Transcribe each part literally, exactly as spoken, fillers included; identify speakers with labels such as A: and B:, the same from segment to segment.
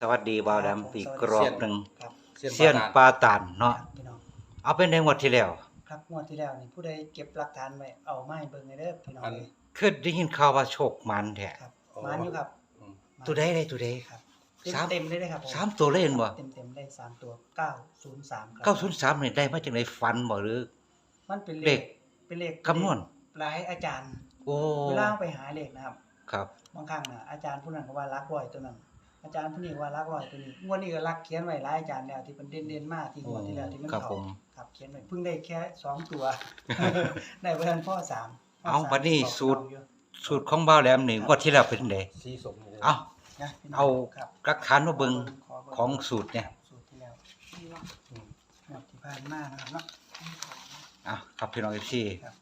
A: วัสดีบ่าวดำอีกรอบหนึ่ง
B: ครับ
A: เสี้ยนปลาตานเนาะ
B: ครับพี่น้อง
A: เอาเป็นในงวดที่แล้ว
B: ครับงวดที่แล้วนี่ผู้ใดเก็บหลักฐานไว้เอามาให้เบิ่งให้เด้อพี่น้อง
C: อัน
B: เลย
A: คือได้ยินข่าวว่าโชคมันแท้
B: ครับ
C: อ๋อ
B: มาอยู่ครับ
C: อืม
B: มา
A: ตัวใดได้ตัวใด
B: ครับ
A: สาม
B: เต็มๆเลยนะครับผม
A: สามตัวเล่นบ่
B: เต็มๆได้สามตัวเก้าศูนย์สามครั
A: เก้าศูนย์สามนี่ได้มาจากไหนฝันบ่หรือ
B: มันเป็น
A: เล
B: เล
A: ข
B: ขเป็นเลข
A: คำนวณ
B: หลายอาจารย์
A: โอ้
B: เวลาไปหาเลขนะครับ
A: ครับ
B: บางครั้งน่ะอาจารย์ผู้นั้นก็ว่ารักร้อยตัวนั้น อาจารย์ผู้นี้ว่ารักร้อยตัวนี้งวดนี้ก็รักเขียนไว้หลายอาจารย์แล้วที่เป็นเด่นๆมากที่งวดที่แล้วที่มัน
A: ครับ
B: เข้า
A: ผม
B: ครับเขียนไว้เพิ่งได้แค่สองตัว ได้เพิ่นพ่อสามพ่
A: เอา
B: สม
A: บัดนี้
B: บอก
A: สูตร
B: เอาอยู่
A: สูตรของบ่าวแหลมนี่งวดที่แล้วเป็นจังได
C: สีสมเลย
A: เอา
B: นะพี่น้ง
A: เอา
B: ครับ
A: หลักฐานมาเบิ่ง
B: ขเบิ่
A: ของสูตรเนี่ย
B: สูตรที่แล้วอืมงวดที่ผ่านมานะครับเนาะ
A: อ่ะครับพี่น้อง เอฟ ซี
B: ครับ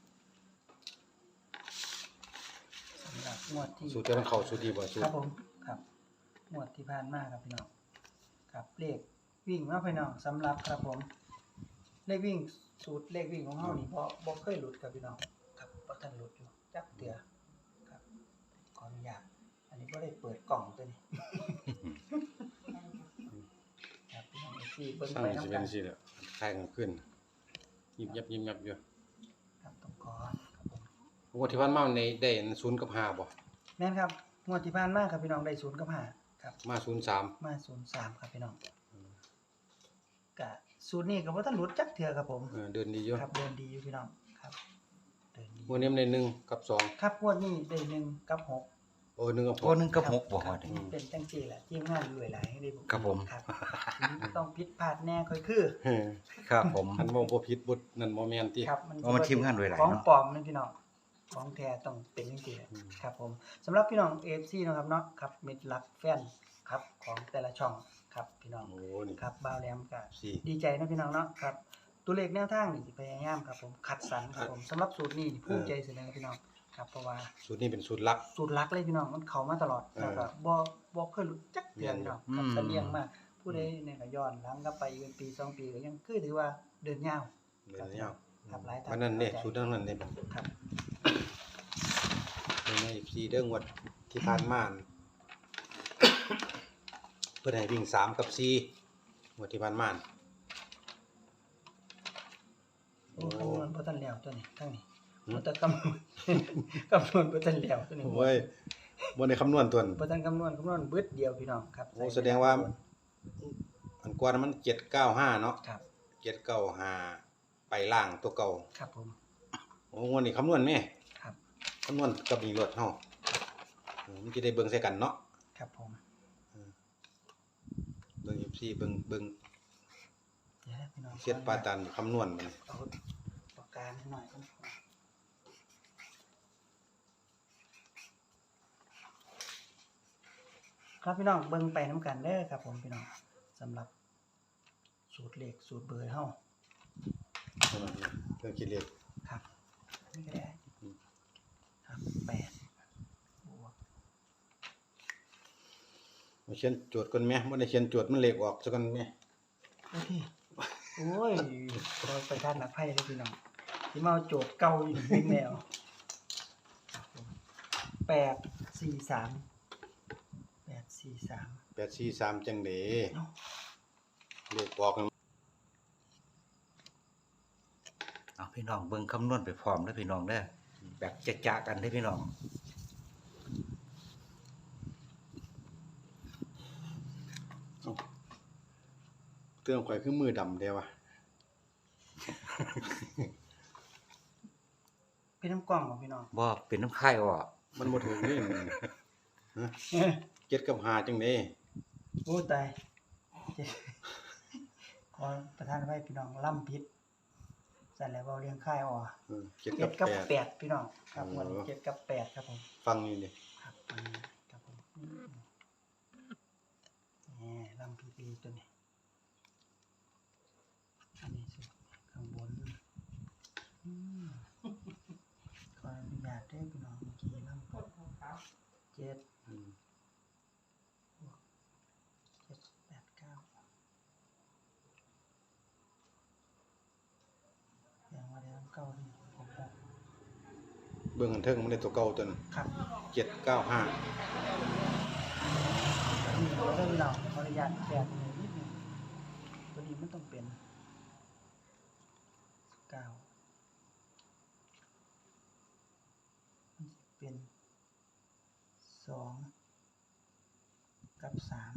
B: สำหรับงวดที่
C: สูตรจะมันเข้าสูตรดีบ่สูต
B: ค
C: ร
B: รับผมครับงวดที่ผ่านมาครับพี่น้องครับเลขวิ่งเนาะพี่น้องสำหรับครับผมเลขวิ่งสูตรเลขวิ่งของเฮานี่บ่บ่เคยหลุดครับพี่น้องครับบ่ทันหลุดอยู่จักเตือครับขออนุญาตอันนี้บ่ได้เปิดกล่องตัวนี้ ครับพี่น้องที่เบิ่ง
C: สร้าง
B: ไป
C: สิ
B: นำ
C: เป็
B: กัน
C: นสิแล้วคล้ายกันขึ้นยิบยับยิบยับอยู่
B: ครับต้องขอครับผม
C: งวดที่ผ่านมาในได้ศูนย์กับห้าบ่
B: แม่นครับงวดที่ผ่านมาครับพี่น้องได้ศูนย์กับห้าครับ
C: มาศูนย์สาม
B: มาศูนย์สามครับพี่น้องกะศูนย์นี้ก็บ่ทันหลุดจักเทื่อครับผม
C: เออเดินดีอยู่
B: ครับเดินดีอยู่พี่น้องครับเดินดี
C: งวดนี้มันได้หนึ่งกับสอง
B: ครับงวดนี้ได้หนึ่งกับหก
C: โอ้หนึ่งกับห
A: โอ้
C: ก
A: หนึ่งกับหกบ่
B: ค
A: ฮ
B: รั
A: อบ ด
B: มันเป็นจังซี่แหละทีมงานรวยหลายให้ได้ผม
A: ครับผม
B: ครับต้องผิดพลาดแน่ค่อยคือ
C: เฮ้ย
A: ครับผม
C: อันบ่บ่ผิดบ่นั่นบ่แม่นติ
B: ครับ
A: เอามาทีมงานรวยหลาย
B: ของ
A: เนาะ
B: ปลอมนี่พี่น้องของแท้ต้องเป็นจังซี่แหละ
C: อืม
B: ครับผมสำหรับพี่น้อง เอ เอฟ ซี นะครับเนาะครับมิตรรักแฟนครับของแต่ละช่องครับพี่น้อง
C: โอ้นี่
B: ครับบ่าวแหลมก็
C: สี่
B: ดีใจนะพี่น้องเนาะครับตัวเลขแนวทางนี่สิพยายามครับผมคัดสรรครับผมสำหรับสูตรนี้ภูมิใจเสนอพี่น้องครับเพราะว่า
C: สูตรนี้เป็นสูตรลัก
B: สูตรลักเลยพี่น้องมันเข้ามาตลอด
C: เออ
B: แล้วก็บ่บ่เคยหลุดจักเดือนพี่น้องครับ
A: อืม
B: เสลียงมากผู้ใดเนี่ยก็ย้อนหลังกลับไปเป็นปีสองปีก็ยังคือถือว่าเดินยาว
C: เดินยาว
B: ครับหลายท่าน
C: วันนั้นเด้สูตรนั้นเด้
B: ครับ
C: ในสี่เด้องวดที่ผ่านมานั่น เพิ่นให้วิ่งสามกับสี่งวดที่ผ่านมา
B: โอ้คำนวณบ่ทันแล้วตัวนี้ทั้งนี้
C: หืม
B: บ่ทันคำนวณ คำนวณบ่ทันแล้วตัวนี้
C: โอ้ยบ่ได้คำนวณตัวนั้น
B: บ่ทันคำนวณคำนวณเบิดเดียวพี่น้องครับ
C: โอ้แสดงว่า อันกว่านั้นมันเจ็ดเก้าห้าเนาะ
B: ครับ
C: เจ็ดเก้าห้าไปล่างตัวเก่า
B: ครับผม
C: โอ้งวดนี้คำนวณแม่
B: ครับ
C: คำนวณกับนี่รถเฮาเออมันจะได้เบิ่งใส่กันเนาะ
B: ครับผม
C: เบิ่ง เอฟ ซี เบิ่งเบิ่ง
B: เดี๋ยวนะพี่น้อง
C: เสียดปาตันคำนวณมัน
B: เอาปากกาให้หน่อยครับครับพี่น้องเบิ่งไปน้ำกันเด้อครับผมพี่น้องสำหรับสูตรเลขสูตรเบอร์เฮา
C: เรื่องคิดเลข
B: ครับนี่ก็ได้
C: อืม
B: ครับแปดบวก
C: มาเขียนโจทย์ก่อนแม่บ่ได้เขียนโจทย์มันเลขออกซะก่อนแม่
B: โอเคโอ้ยเราไปทานนักไพ่เลยพี่น้องที่มาเอาโจทย์เก่าอยู่วิ่งแนวครับผมแปดสี่สามแปดสี่สาม
C: แปด สี่ สามจังได๋
B: เนาะ
C: เลขออกนั่น
A: เอาพี่น้องเบิ่งคำนวณไปพร้อมเด้อพี่น้องเด้อแบบจะๆกันเด้อพี่น้อง
C: เครื่องข่อยคือมือดำเด้วะ
B: เป็นน้ำกล่องของพี่น้อง
A: บ่เป็นน้ำค่ายออก
C: มันบ่ถึงนี่มันฮะเจ็ดกับห้าจังได๋
B: โอ้ตายขอประทานไว้พี่น้องล่ำพิษสั่นแล้วเราเลี้ยงค่ายอ่อ
C: เออเจ็ด
B: เจ็
C: กั
B: ด
C: บ
B: กับ
C: แปด
B: แปดพี่น้องครับ
C: โอ้
B: วันนี้เจ็ดกับแปดครับผม
C: ฟังนี่ดิ
B: ครับอันนี้ครับผมอืมนี่ล่ำพิษดีตัวนี้อันนี้สุดข้างบนอืมขออนุญาตได้อพี่น้องเมื่อกี้ล่ำเจ็ด
C: อืม
B: เจ็ดแปดเก้าอย่างว่าเดี๋ยวเก้านี่หกหก
C: เบิ่งอันเทิงมันได้ตัวเก่าตัวนั้น
B: ครับ
C: เจ็ดเก้าห้า
B: นนี่เราได้พี่น้องขออนุญาตแกะนิดนึงตัวนี้มันต้องเป็นเก้ามันจะเป็นสองกับสาม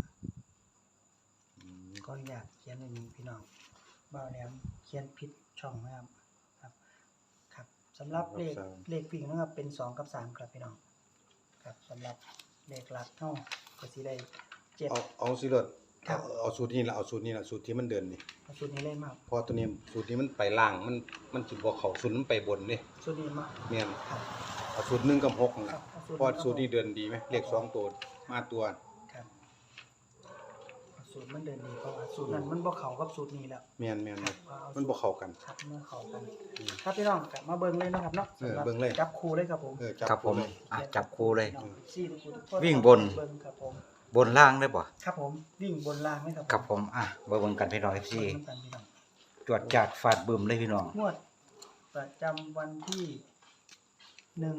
B: ก็อยากเขียนอย่างนี้พี่น้องบ่าวแหลมเขียนผิดช่องนะครับครับครับสำหรับเลขเลขวิ่งนะครับเป็นสองกับสามครับพี่น้องครับสำหรับเลขหลักเท่าก็สิได้เจ็ด
C: เอาเอาสิรถ
B: ครั
C: เอา
B: บ
C: เอาสูตรนี้ละเอาสูตรนี้ละสูตรที่มันเดินนี่
B: เอาสูตรนี้เลยมาก
C: เพอตัวนี้สูตรนี้มันไปล่างมันมันสิบ่เข้าสูตรมันไปบนเด้
B: สูตรนี้มาก
C: แม่น
B: ครับ
C: เอาสูตรหนึ่งกับหกนั่น
B: ครั
C: ล่ะ
B: บเอาสูตร
C: เพอสูตรนี้เดินดีไหมเลขสองตัวมาตัว
B: ครับเอาสูตรมันเดินดีเพราะว่าสูตรนั้นมันบ่เข้ากับสูตรนี้แล้ว
C: แม่นแม่น
B: ครับเอาสูตร
C: มันบ่เข้ากัน
B: ครับเมื่อเข้ากันครับพี่น้องกลับมาเบิ่งเลยนะครับเนาะ
C: เออ
B: สำหรับ
C: เบิ่งเลย
B: จับคู่เลยครับผม
C: เออจับ
A: ครับผม
C: เลย
A: อ่ะจับคู่เลย
B: สี่ทุกคู่ทุกคน
A: วิ่งบน
B: เบิ่งครับผม
A: บนล่างได้บ่
B: ครับผมวิ่งบนล่างไหมครับ
A: ครับผมอ่ะเบิ่งกันพี่น้อง เอฟ ซี
B: เบิ่งกันพี่น้อง
A: จวดจาดฟาดบึมเลยพี่น้อง
B: งวดประจำวันที่หนึ่ง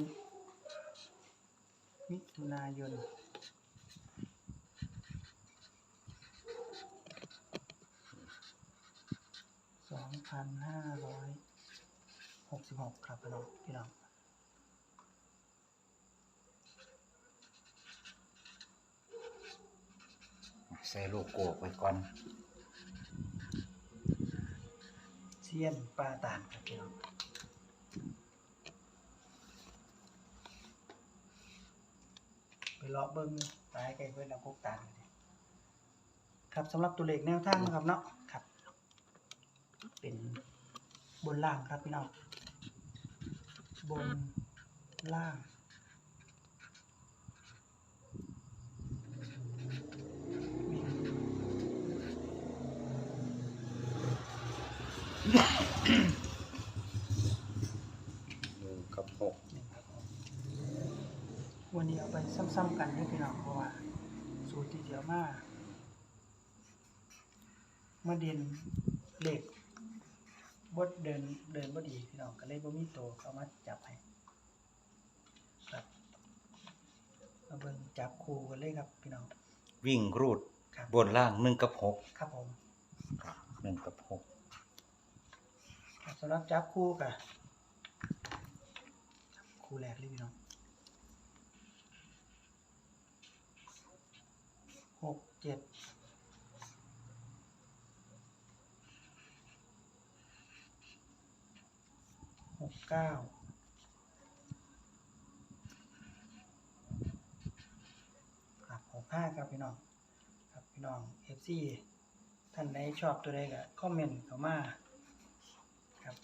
B: มิถุนายนสองพันห้าร้อยหกสิบหกครับพี่น้องพี่น้อง
A: ใส่โลโก้ไว้ก่อน
B: เซียนปลาตานครับพี่น้องไปเลาะเบิ้งตายไกลเพื่อนเราพกตานเลยครับสำหรับตัวเลขแนวทางนะครับเนาะครับ เป็นบนล่างครับพี่น้องบนล่าง
C: หนึ่งกับหก
B: นี่ครับผมวันนี้เอาไปซ้ำๆกันให้พี่น้องเพราะว่าสูตรที่เดียวมามาเด่นเลขบดเดินเดินบ่ดีพี่น้องก็เลยบ่มีตัวเขามาจับให้ครับมาเบิ่งจับคู่กันเลยครับพี่น้อง
A: วิ่งรูด
B: ครับ
A: บนล่างหนึ่งกับหก
B: ครับผม
A: ครับหนึ่งกับหก
B: ครับสำหรับจับคู่กับคู่แรกเลยพี่น้องหกเจ็ดหกเก้าครับหกห้าครับพี่น้องครับพี่น้องเอฟซีท่านใดชอบตัวใดก็คอมเมนต์เข้ามาครับ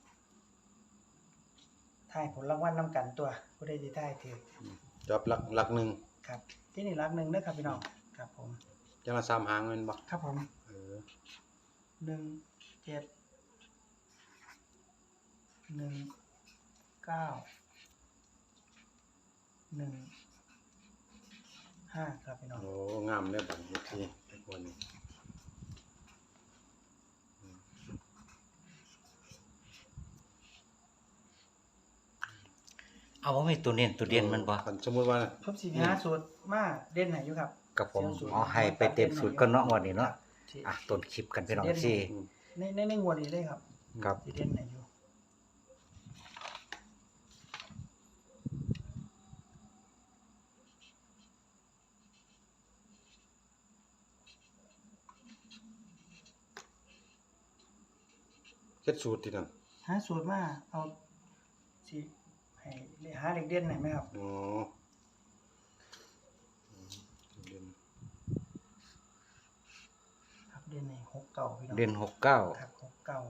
B: ถ่ายผลรางวัลนำกันตัวผู้ใดที่ได้ถือ
C: จับหลักหลักหนึ่ง
B: ครับที่นี่รักหนึ่งนะครับพี่น้องครับผม
C: จังละสามหางแม่นบ่
B: ครับผม
C: เออ
B: หนึ่งเจ็ดหนึ่งเก้าหนึ่งห้าครับพี่น้อง
C: โอ้งามเด้อบัดนี้ที่ไอ้คนนี้
A: เอาว่าไม่ตัวเน้นตัวเด่นมันบ่
C: คันสมมุติว่า
B: ผมสีหาสูตรมาเด่นไหนอยู่ครับ
A: กับผม
B: เสี่ยวสูตร
A: เอาให้ไปเต็มสูตรก็เนาะวันนี้เนาะ
B: ที่
A: อ่ะต้นคลิปกันพี่น้อง ซี
C: อืม
B: ในในในงวดนี้เลยครับ
A: ครับ
B: สีเด่นไหนอยู่
C: เฮ็ดสูตรที่นั่น
B: หาสูตรมาเอาสีให้หาเด็กเด่นไหนอยไหมครับ
C: อ๋ออืมเรียน
B: ครับเด่นในหกเก่าพี่น้อง
A: เด่นหกเก้า
B: ครับหกเก่า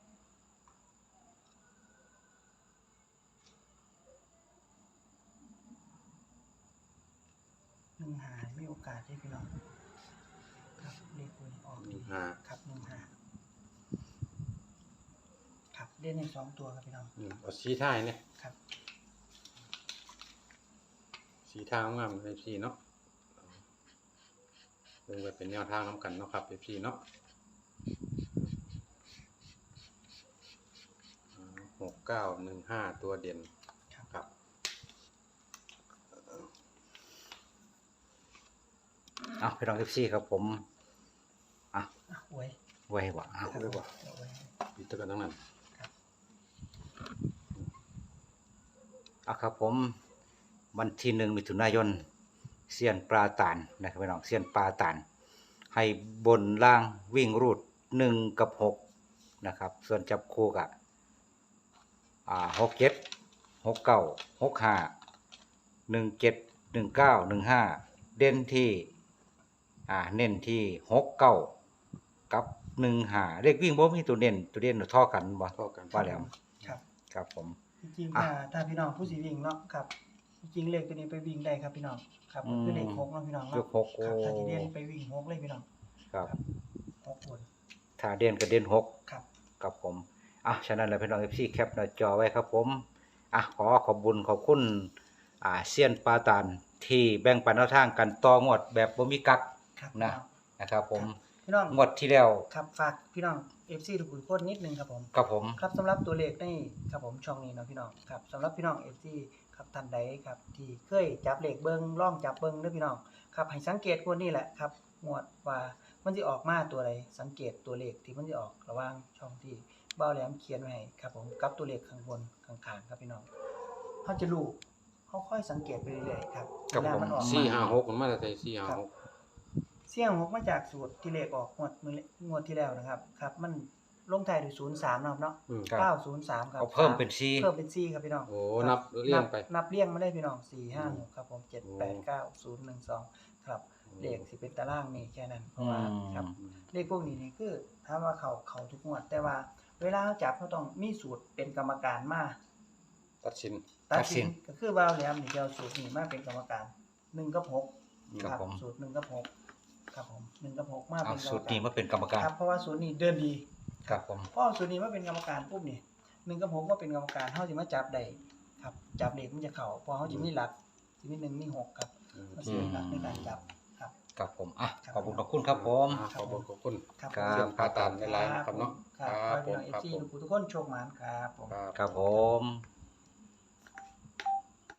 B: หนึ่งหาไม่โอกาสได้พี่น้องครับเลขคนออก
C: ห
B: ดี
C: นึ่งห้า
B: ครับหนึ่งหาครับเด่นในสองตัวครับพี่น้อง
C: อืมเอาสีท้ายเนี่ย
B: ครับ
C: สีทางงามเลยพี่เนาะเบิ่งไว้เป็นแนวทางนํกันเนาะครับพี่เนาะหกเก้าหนึ่งห้าตัวเด่น
B: ครับ
C: ครับ
A: เอาพี่น้อง เอฟ ซี ครับผมอ่ะ
B: อ่ะไว้
A: ไว้บ่เอา
C: เอาไว้บ่
B: เอาไว้
C: ปิดตะกันทั้งนั้น
A: เอาครับผมวันที่หนึ่งมิถุนายนเซียนปลาตานนะครับพี่น้องเซียนปลาตานให้บนล่างวิ่งรูดหนึ่งกับหกนะครับส่วนจับคู่กับอ่าหกเจ็ดหกเก้าหกห้าหนึ่งเจ็ดหนึ่งเก้าหนึ่งห้าเด่นที่อ่าเน้นที่หกเก้ากับหนึ่งห้าเลขวิ่งบ่มีตัวเน้นตัวเด่นเท่อกันบ่
C: เท่ากัน
A: ว่าแล้ว
B: ครับ
A: ครับผม
B: จริงๆถ้าถ้าพี่น้องผู้สิวิ่งเนาะครับจริงๆเลขตัวนี้ไปวิ่งได้ครับพี่น้องครับก็คือเลขหกเนาะพี่น้อง
A: เล
B: เนาะ
A: ขหกโอ้
B: ครับถ้าสิเด่นไปวิ่งหกเลยพี่น้อง
A: ครับ
B: หกคน
A: ถ้าเด่นก็เด่นหก
B: ครับ
A: กับผมอ่ะฉะนั้นแล้วพี่น้องเอฟซีแคปหน้าจอไว้ครับผมอ่ะขอขอบบุญขอบคุณอ่าเซียนปาตานที่แบ่งปันแนวทางกันต่องวดแบบบ่มีกัก
B: ครับ
A: นะ นะครับผม
B: พี่น้อง
A: งวดที่แล้ว
B: ครับฝากพี่น้อง เอฟ ซี ทุกคนนิดนึงครับผม
A: กับผม
B: ครับสำหรับตัวเลขในครับผมช่องนี้เนาะพี่น้องครับสำหรับพี่น้อง เอฟ ซี ครับท่านใดครับที่เคยจับเลขเบิ่งล่องจับเบิ่งเด้อพี่น้องครับให้สังเกตคนนี้แหละครับงวดว่ามันสิออกมาตัวใดสังเกตตัวเลขที่มันสิออกระหว่างช่องที่เบ้าแหลมเขียนไว้ให้ครับผมกับตัวเลขข้างบนข้างๆครับพี่น้องเฮาจะรู้เฮาค่อยสังเกตไปเรื่อยๆครับเวลามันออก
C: สี่
B: มา
C: ห้าหกมันมาแต่สี่ห้าหก
B: เสี่ยงหกมาจากสูตรที่เลขออกงวดมื้องวดที่แล้วนะครับครับมันลงท้ายด้วยศูนย์สามเนาะครับเนาะ
C: อืม
A: ครับ
B: เก้าศูนย์สามครับ
A: เอาเพิ่มเป็นซี
B: เพิ่มเป็นสี่ครับพี่น้อง
C: โอ้นับเรียงไป
B: นับเรียงมาได้พี่น้องสี่ห้า
C: อื
B: ห
C: ม
B: กครับผมเจ็ด
C: โอ้
B: แปดเก้าศูนย์หนึ่งสองครับเลขสิเป็นตารางนี่แค่นั้นเพราะว่า
A: อืม
B: ครับเลขพวกนี้นี่คือถามว่าเขาเขาทุกงวด แต่ว่าเวลาเขาจับเขาต้องมีสูตรเป็นกรรมการมา
C: ตัดสิน
B: ตัด
A: ตัดสิ
B: สิน
A: น
B: ก็คือว่าแล้วนี่จะเอาสูตรนี้มาเป็นกรรมการหนึ่งกับหก
A: ครับผม
B: สูตรหนึ่งกับหกครับผมหนึ่งกับหกมา
A: เอา
B: เป็นกรรม
A: สูตร
B: กา
A: นี้
B: ร
A: มาเป็นกรรมการ
B: ครับเพราะว่าสูตรนี้เดินดี
A: ครับผม
B: พอสูตรนี้มาเป็นกรรมการปุ๊บนี่หนึ่งกับหกมาเป็นกรรมการเขาจะมาจับได้ครับจับเลขมันจะเข่าเพอเขาจะมีหลักจะมีหนึ่งมีหกครับ
C: อืม
B: มันจะมีหลักในการจับครับ
A: ครับผมอ่ะ
B: ครับ
A: ขอบคุณขอบคุณครับผม
C: อ่าขอบคุณขอบคุณ
B: ครับ
A: ครับ
C: เสียงปลาตานในไลน์ครับเนาะ
B: ครับขอให้พี่น้องเอฟซีทุกคนโชคหมานครับผม
C: ครับ
A: ครับผม